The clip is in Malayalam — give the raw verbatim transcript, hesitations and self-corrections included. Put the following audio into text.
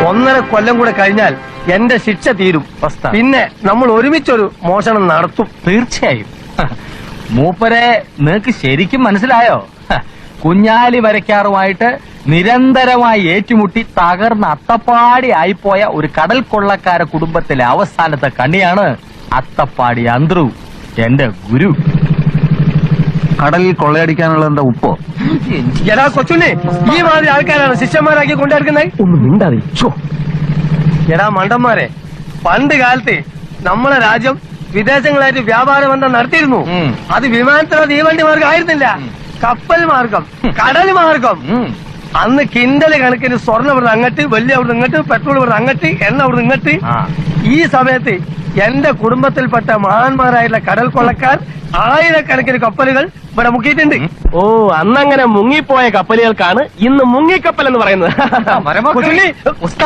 ഒന്നര കൊല്ലം കൂടെ കഴിഞ്ഞാൽ എന്റെ ശിക്ഷ തീരും. പിന്നെ നമ്മൾ ഒരുമിച്ചൊരു മോഷണം നടത്തും. തീർച്ചയായും. മൂപ്പരെ നിനക്ക് ശരിക്കും മനസ്സിലായോ? കുഞ്ഞാലി വരയ്ക്കാറുമായിട്ട് നിരന്തരമായി ഏറ്റുമുട്ടി തകർന്ന അത്തപ്പാടി ആയിപ്പോയ ഒരു കടൽ കൊള്ളക്കാര കുടുംബത്തിലെ അവസാനത്തെ കണ്ണിയാണ് അത്തപ്പാടി അന്ത്രു, എന്റെ ഗുരു. കടലിൽ കൊള്ളയടിക്കാനുള്ള എന്താ ഉപ്പോ? എടാ കൊച്ചുണ്ണി, ഈ മാതിരി ആൾക്കാരാണ് ശിഷ്യന്മാരാക്കി കൊണ്ടുനടക്കുന്നത്. ഒന്നും മിണ്ടാതെ. എടാ മണ്ടന്മാരെ, പണ്ട് കാലത്ത് നമ്മളെ രാജ്യം വിദേശങ്ങളായിട്ട് വ്യാപാര ബന്ധം നടത്തിയിരുന്നു. അത് വിമാനത്തിലോ തീവണ്ടി മാർഗം ആയിരുന്നില്ല, കപ്പൽ മാർഗം, കടൽ മാർഗം. അന്ന് കിണ്ടല് കണക്കിന് സ്വർണ്ണം ഇവിടെ അങ്ങട്ട്, വെള്ളി അവിടെ ഇങ്ങോട്ട്, പെട്രോൾ ഇവിടെ അങ്ങട്ട്, എണ്ണ അവിടെ ഇങ്ങോട്ട്. ഈ സമയത്ത് എന്റെ കുടുംബത്തിൽപ്പെട്ട മഹാന്മാരായിട്ടുള്ള കടൽ കൊള്ളക്കാർ ആയിരക്കണക്കിന് കപ്പലുകൾ ഇവിടെ മുക്കിയിട്ടുണ്ട്. ഓ, അന്നങ്ങനെ മുങ്ങിപ്പോയ കപ്പലുകൾക്കാണ് ഇന്ന് മുങ്ങിക്കപ്പൽ എന്ന് പറയുന്നത്.